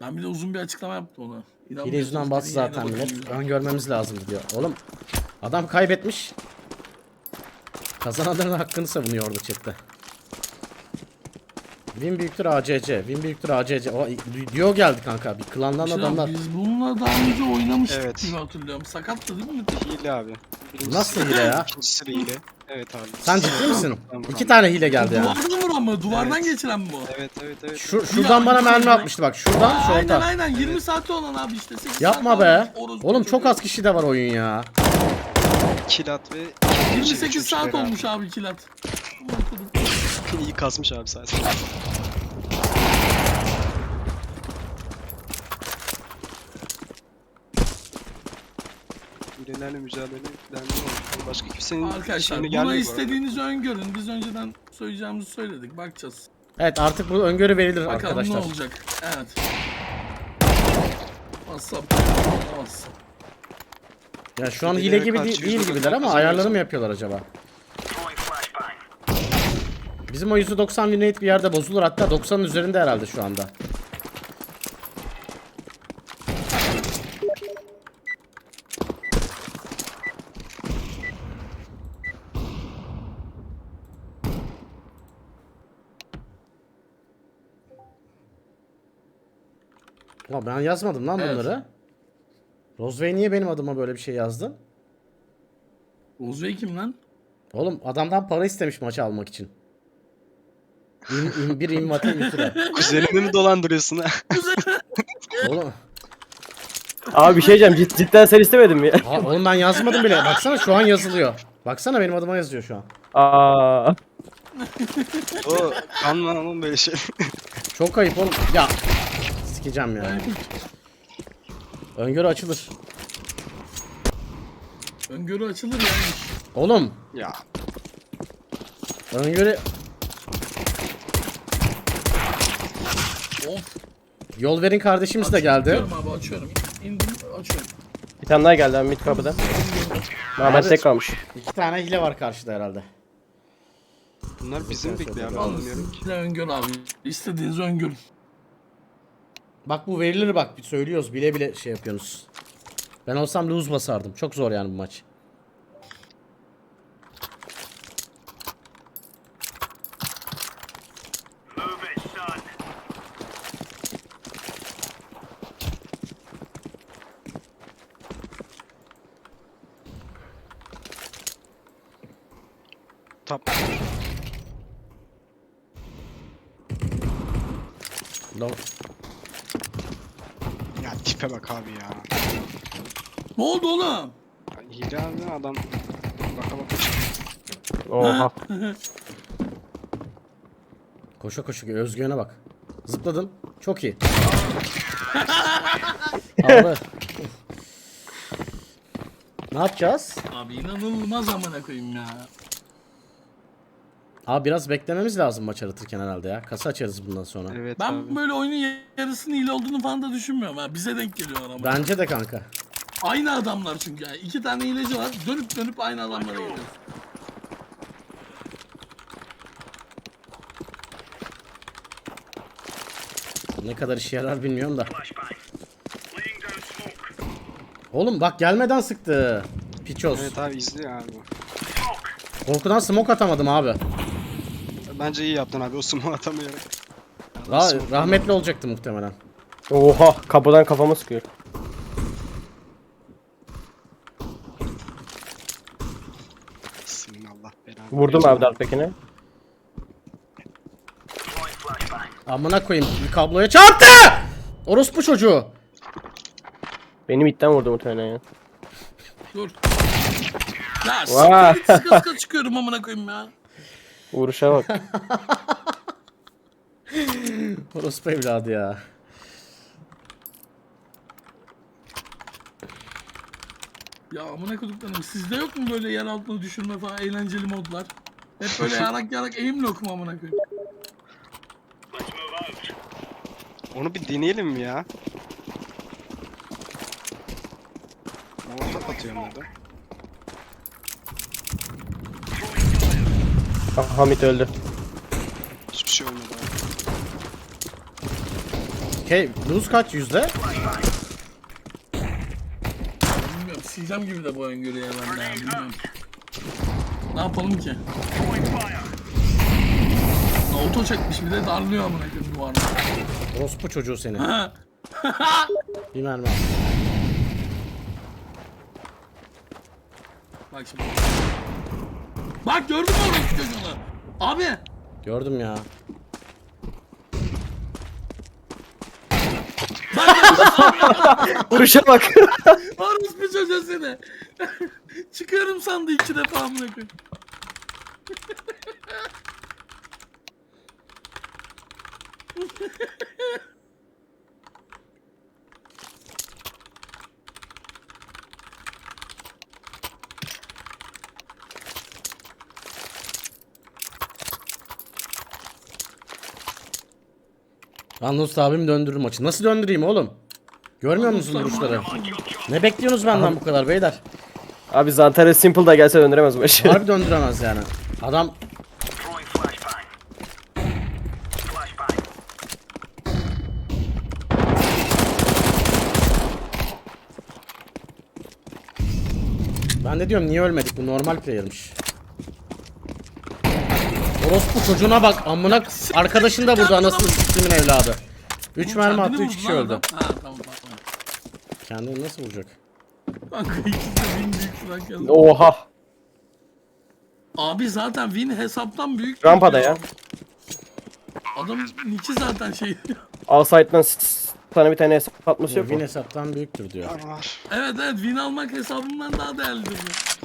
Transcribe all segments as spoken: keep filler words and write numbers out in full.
Ben bir de uzun bir açıklama yaptım ona. Hile yüzünden bastı zaten millet. Ön görmemiz lazım diyor. Oğlum adam kaybetmiş. Kazananların hakkını savunuyor orada chatte. Win büyüktür A C C. Win büyüktür A C C. O diyor geldi kanka. Bir klandan Şey adamlar. abi, biz bununla daha önce oynamıştık Evet. gibi hatırlıyorum. Sakattı değil mi? Hile abi. Birincisi Nasıl hile ya? İkincisi de hile. Evet abi. Sen ciddi misin? Tamam, İki tane hile geldi ya. Duvardan vuran mı? Duvardan Evet. geçiren mi bu? Evet evet evet. Şu, şuradan bana mermi atmıştı bak. Şuradan şu Aynen orta. aynen yirmi saati olan abi işte. sekiz Yapma saat be. olmuş, orospu Oğlum çok çocuğu. az kişi de var oyun ya. Kilat ve yirmi şey, sekiz üçüncü saat beraber. olmuş abi kilat. İyi kasmış abi zaten. Hilelerle mücadele eden başka kimsenin Arkadaşlar şeyine buna gelmiyor bu arada. istediğinizi öngörün. Biz önceden söyleyeceğimizi söyledik. Bakacağız. Evet artık bu öngörü verilir Bakalım arkadaşlar. ne olacak. Evet. WhatsApp. WhatsApp. Ya şu an hile Hilelere gibi karşı değil, değil yüzde gibiler ama doksan ayarları mı yüzde- yapıyorlar acaba? Bizim o yüzde doksan win rate bir yerde bozulur, hatta doksanın üzerinde herhalde şu anda. Ya ben yazmadım lan Evet. bunları. Rozvey niye benim adıma böyle bir şey yazdın? Ozbey kim lan? Oğlum adamdan para istemiş maçı almak için. İm, im, bir invati üstüne. Kuzenini mi dolandırıyorsun ha? Oğlum, Abi bir şey diyeceğim, cid- cidden sen istemedin mi ya? ha, oğlum ben yazmadım bile. Baksana şu an yazılıyor. Baksana benim adıma yazıyor şu an. Aa, O kanman ama böyle şey. Çok ayıp oğlum. Ya sikeceğim ya. Öngörü açılır. Öngörü açılır yani. Oğlum Ya öngörü Of. yol verin kardeşimiz de geldi. Açıyorum abi açıyorum. İndim açıyorum. bir tane daha geldi abi mid kapıda. Ahmet Abi- tek kalmış. İki tane hile var karşıda herhalde. bunlar bizim bekliyor abi Alın anlamıyorum ki. size öngörü abi. İstediğinizi öngörün. Bak bu verilir bak, bir söylüyoruz bile bile şey yapıyorsunuz. Ben olsam lose basardım. Çok zor yani bu maç. Tap. No. Ya tipe bak abi ya. Ne oldu oğlum? Ya hile abi adam. Baka baka çıkıyor. Oha. Koşa koşa özgüvene bak. Zıpladın. Çok iyi. Abi. Ne yapacağız? Abi inanılmaz amına koyayım ya. Abi biraz beklememiz lazım maç aratırken herhalde ya. Kasa açarız bundan sonra. Evet Ben abi. böyle oyunun yarısının hile olduğunu falan da düşünmüyorum ha. Bize denk geliyorlar ama. Bence de kanka. Aynı adamlar çünkü yani. İki tane hileci var. Dönüp dönüp aynı adamlara geliyor. Ne kadar işe yarar bilmiyorum da. Oğlum bak gelmeden sıktı. Piçoz. Evet abi izliyor abi. Korkudan smoke atamadım abi. Bence iyi yaptın abi o sumo atamıyorum. Ra- rahmetli olacaktı muhtemelen. Oha, kapıdan kafama sıkıyor. Senin Allah belanı. Vurdum abi dartbekine. Amına koyayım, bir kabloya çarptı! Orospu çocuğu. Benim itten vurdu muhtemelen ya. Dur. Ya Vay. sıkı sıkı sıkı çıkıyorum amına koyayım ya. Vuruşa bak. Orospu evladı ya. Ya amına koyduklarım sizde yok mu böyle yer altına düşürme falan eğlenceli modlar? Hep böyle yarak yarak aim lock mu amına koyayım? Onu bir deneyelim mi ya? Orta atıyorum orada. Ah, Hamit öldü. Hiçbir şey olmadı abi. Okey. Lose kaç yüzde? Bilmiyorum. Sileceğim gibi de bu öngörüye ben de ya. Bilmiyorum. Ne yapalım ki? Auto çekmiş bir de darlıyor amına koyayım duvarda. Orospu çocuğu seni. Ha. Bir mermi al. Bak şimdi. Bak gördün mü orası çocuğunu? Abi. Gördüm ya. Vuruşa bak. Orası bir çocuğu seni. Çıkıyorum sandı iki defa amına koyayım. Yalnız abim döndürür maçı. Nasıl döndüreyim oğlum? Görmüyor musun vuruşları? Ne bekliyorsunuz benden bu kadar beyler? Abi Zantares Simple da gelse döndüremez bu maçı. Harbi döndüremez yani. Adam Ben de diyorum niye ölmedik, bu normal player'mış. Orospu çocuğuna bak amına, arkadaşın da burada anasını s**timin evladı. üç mermi Kendini attı, üç vurdu kişi lan öldü. adam. Ha tamam tamam. Kendini nasıl vuracak? Kanka ikisi de win büyük flank yazdı. Oha. Abi zaten win hesaptan büyük. Rampada ya. Adamın nick'i zaten şey. Outside'dan s- s- sana bir tane hesap atması yok Win mu? hesaptan büyüktür diyor. Var var. Evet evet win almak hesabından daha değerlidir bu.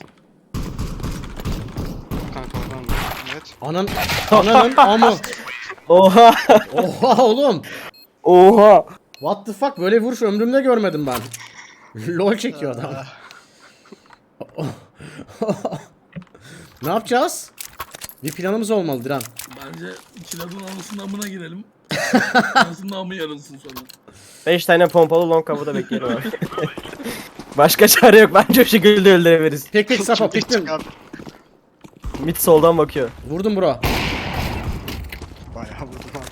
Kanka oradan da. Evet. Anın, ananın amı. Oha. Oha oğlum. Oha. What the fuck, böyle vuruş ömrümde görmedim ben. LOL çekiyor adam. Ne yapacağız? Bir planımız olmalı Diren. Bence kiladın anasının amına girelim. Anasının amı yarılsın sonra. beş tane pompalı long kapıda bekleyelim abi. Başka çare yok. Bence o şekilde öldürebiliriz. Pek pek sapa Çok piktim. çık abi. Mid soldan bakıyor. Vurdum bro. Bayağı vurdum abi.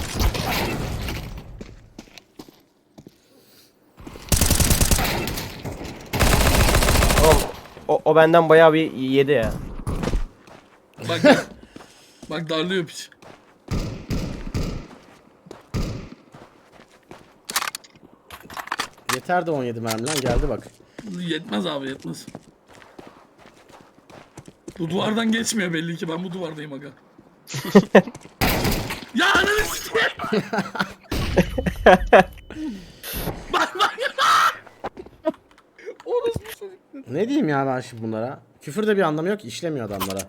Oğlum, o, o benden bayağı bir yedi ya. Bak bak. Bak darlıyor piç. Yeter de on yedi mermi lan, geldi bak. Yetmez abi yetmez. Bu duvardan geçmiyor belli ki, ben bu duvardayım aga. Ya ananı sikeyim. Bak bak. Orası bir çocuk. Ne diyeyim ya ben şimdi bunlara? Küfür de bir anlamı yok, işlemiyor adamlara.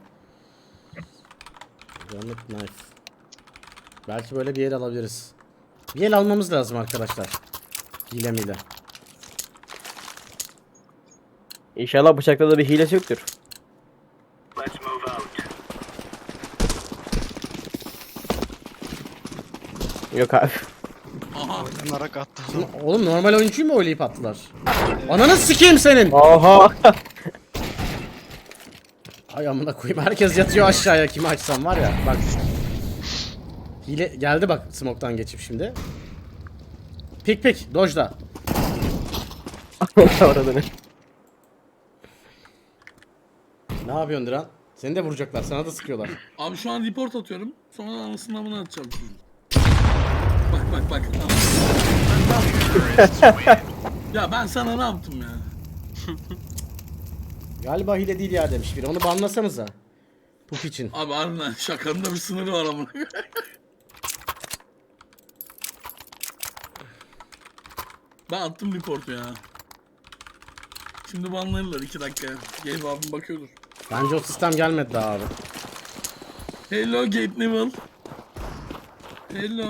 Yanık knife. Belki böyle bir el alabiliriz. Bir el almamız lazım arkadaşlar. Hile mile. İnşallah bıçakta da bir hilesi yoktur. Yok abi. Aha. Narak attı. Oğlum normal oyuncuyu mu oynayıp attılar? Ananı sikeyim senin. Oha. Ay amına koyayım, herkes yatıyor aşağıya, kimi açsam var ya bak. Hile geldi bak, smoke'tan geçip şimdi. Pik pik dojda. Orada ne? Ne yapıyorsun Diren? Seni de vuracaklar, sana da sıkıyorlar. Abi şu an report atıyorum. Sonra anasının amına atacağım. Bak bak bak. Ya ben sana ne yaptım ya? Galiba hile değil ya demiş biri, onu banlasanıza. Pup için. Abi harbiden şakanın da bir sınırı var ama. Ben attım reportu ya. Şimdi banlarlar iki dakikaya. Gabe abim bakıyordur. Bence o sistem gelmedi daha abi. Hello Gabe Newell. Hello.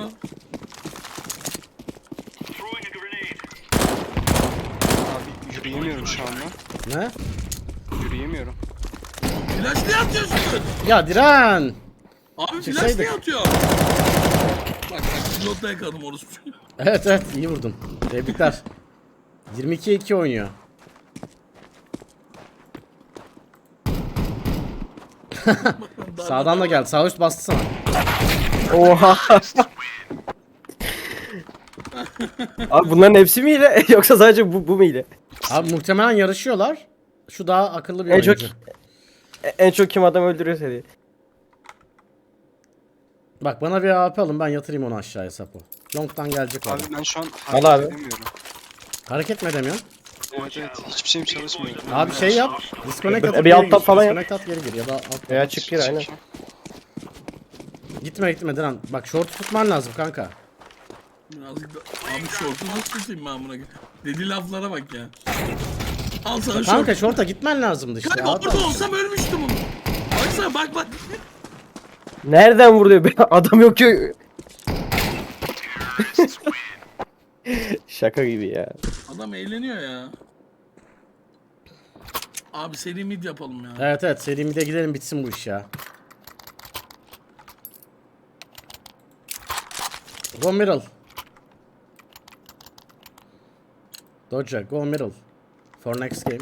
Abi yürüyemiyorum şu anda. Ne? Yürüyemiyorum. Flash niye atıyorsun? Ya Diren! Abi flash Çıksaydık. niye atıyor? Bak bak pilotta yakaladım orospu. Evet evet, iyi vurdun. Tebrikler. yirmi ikiye iki oynuyor. Sağdan da geldi. Sağ üst bastı sana. Oha. Abi bunların hepsi mi hile yoksa sadece bu, bu mu hile? Abi muhtemelen yarışıyorlar. Şu daha akıllı bir En çok- oyuncu. E- En çok kim adam öldürüyorsa diye. Bak bana bir A W P alın, ben yatırayım onu aşağıya Sapo. Long'dan gelecek o Abi adam. ben şu an Al hareket abi. edemiyorum. Hareket mi edemiyorsun? Evet evet hiçbir şeyim çalışmıyor. Abi şey yap. Disconnect Bir- atıp bir geri alt gir. tab falan yap. Disconnect at geri gir ya da alt. Veya çık gir aynen. Gitme gitme Diren. Bak short tutman lazım kanka. Birazcık da... Abi şortu nasıl tutayım ben buna? Dediği laflara bak ya. Al sana Kanka şort. short'a gitmen lazımdı işte. Kanka Adam. orada olsam ölmüştüm onu. Baksana bak bak. Nereden vuruyor be? Adam yok ki. Şaka gibi ya. Adam eğleniyor ya. Abi seri mid yapalım ya. Evet evet, seri mid'e gidelim bitsin bu iş ya. Go middle. Doja, go middle. For next game.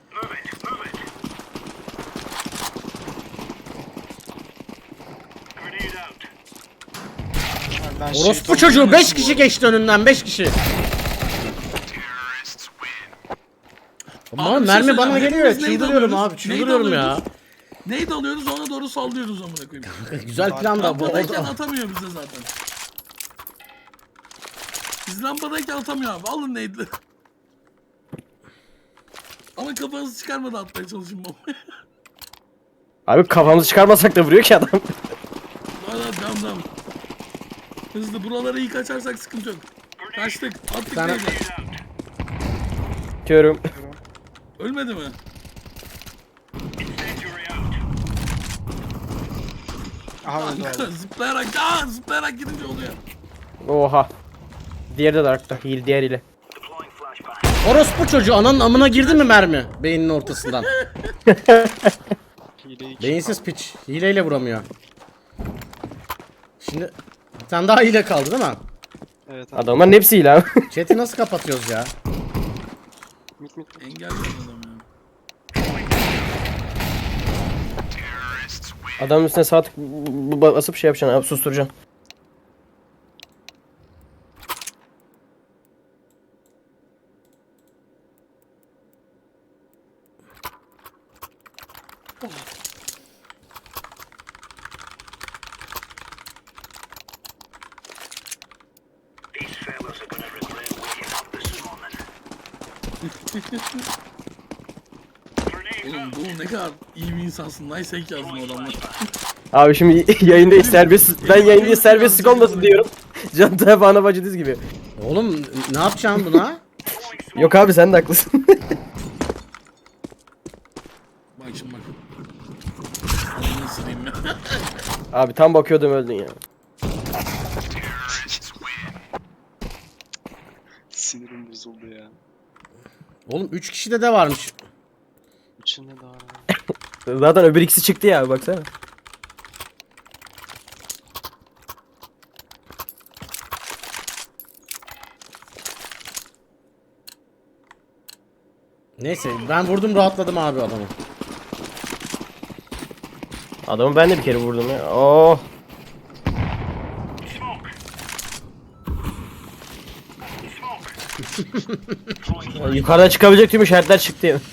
Abi ben şey Orospu çocuğu beş kişi geçti önünden, beş kişi. Ama Abi bir şey mermi bana söyleyeceğim. geliyor. Hepimiz nade Çıldırıyorum alıyoruz, abi, çıldırıyorum nade ya. alıyoruz. Neydi alıyoruz ona doğru sallıyoruz amına koyayım. Güzel plan da bu Lampadayken oldu. atamıyor bize zaten. Biz lampadayken atamıyor abi. Alın nade'leri. Ama kafanızı çıkarmadan atmaya çalışın bombayı. Abi kafamızı çıkarmasak da vuruyor ki adam. Valla devam devam. Hızlı buraları iyi kaçarsak sıkıntı yok. Kaçtık. Attık tane- nade'leri. Diyorum. Ölmedi mi? Aha öldü abi. zıplayarak, aa zıplayarak gidince oluyor. Oha. Diğeri de Dark'ta. Hile diğer ile. Orospu çocuğu ananın amına girdi mi mermi? Beyninin ortasından. Hileyi kim Beyinsiz piç. Hileyle vuramıyor. Şimdi bir tane daha hile kaldı değil mi? Evet abi. Adamların hepsi hile abi. Chat'i nasıl kapatıyoruz ya? Mit mit. Engelliyor adam ya. Adamın üstüne sağ tık b- b- basıp şey yapacaksın abi, susturacaksın. Oğlum bu ne kadar iyi bir insansın. Nice hack yazdın o adamlar. Abi şimdi yayında serbest, ben yayında serbestlik olmasın diyorum. Can tabi ana bacı diz gibi. Oğlum ne yapacaksın buna? Yok abi sen de haklısın. Bak şimdi bak. Adamı ısırayım ya. Abi tam bakıyordum öldün ya. Sinirim bozuldu ya. Oğlum üç kişide de varmış. İçinde daha var. Zaten öbür ikisi çıktı ya baksana. Neyse ben vurdum, rahatladım abi adamı. Adamı ben de bir kere vurdum ya. Oh. Yukarıdan çıkabilecek tüm işaretler çıktı ya.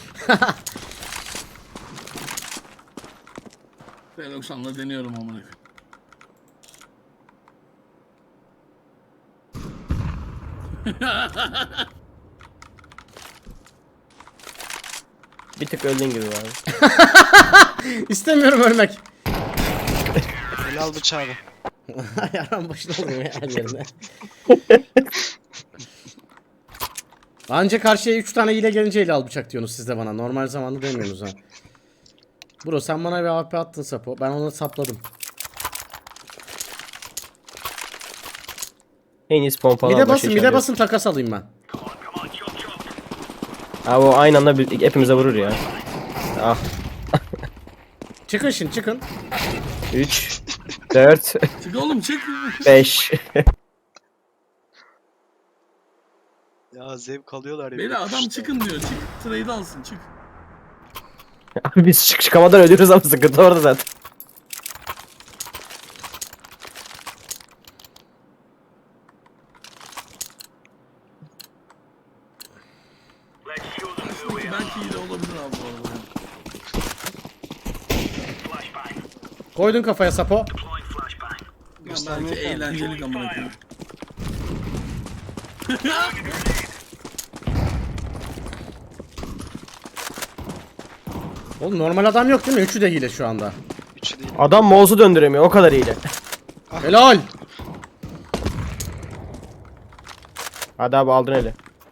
P doksanla deniyorum amına koyayım. Bir tık öldüğün gibi abi. İstemiyorum ölmek. Helal bıçağı. Yaran başına oluyor ya her yerine. Anca karşıya üç tane hile gelince ele al bıçak diyorsunuz siz de bana. Normal zamanda demiyorsunuz ha. Bro sen bana bir A W P attın Sapo. Ben onu sapladım. En iyisi pompalı. Bir de al, başka basın, bir işaret de yok. basın takas alayım ben. Abi o aynı anda bir, hepimize vurur ya. Ah. Çıkın şimdi çıkın. üç, dört, Çık oğlum çık. beş. Ya zevk alıyorlar ya. Beni adam çıkın diyor. Çık. Trade alsın çık. Abi biz çık çıkamadan ölüyoruz ama sıkıntı orada zaten. belki hile olabilir abi bu arada. Koydun kafaya Sapo. Ya belki eğlenceli amına koyayım. Oğlum normal adam yok değil mi? Üçü de hile şu anda. Üçü değil. Adam mouse'u döndüremiyor o kadar iyiydi. Helal. Hadi abi aldın eli.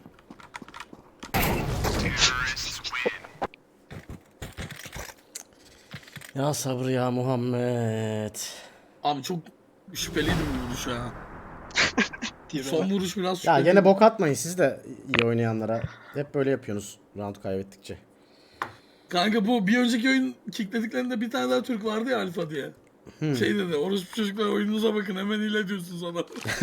Ya sabır ya Muhammed. Abi çok şüpheliydi bu vuruş ya. Son vuruş biraz Ya şüpheli. gene bok atmayın siz de iyi oynayanlara. Hep böyle yapıyorsunuz round kaybettikçe. Kanka bu bir önceki oyun kicklediklerinde bir tane daha Türk vardı ya Alfa diye. Şey dedi, orospu çocuklar oyununuza bakın hemen hile diyorsunuz ona.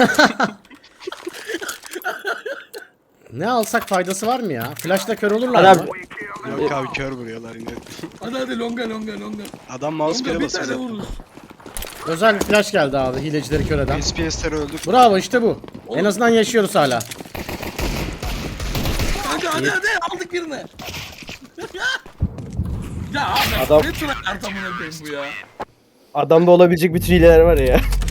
Ne alsak faydası var mı ya? Flash'la kör Hadi olurlar abi. mı? Yok abi kör vuruyorlar yine. Hadi hadi longa longa longa. Adam mouse Longa kere bir basıyor tane zaten. vururuz. Özel bir flash geldi abi hilecileri kör eden. S P S'leri öldür. Bravo işte bu. En Oğlum. azından yaşıyoruz hala. Kanka hadi hadi aldık birini. ya abi Adam- ne tryhard amına koyayım bu ya. Adamda olabilecek bütün hileler var ya.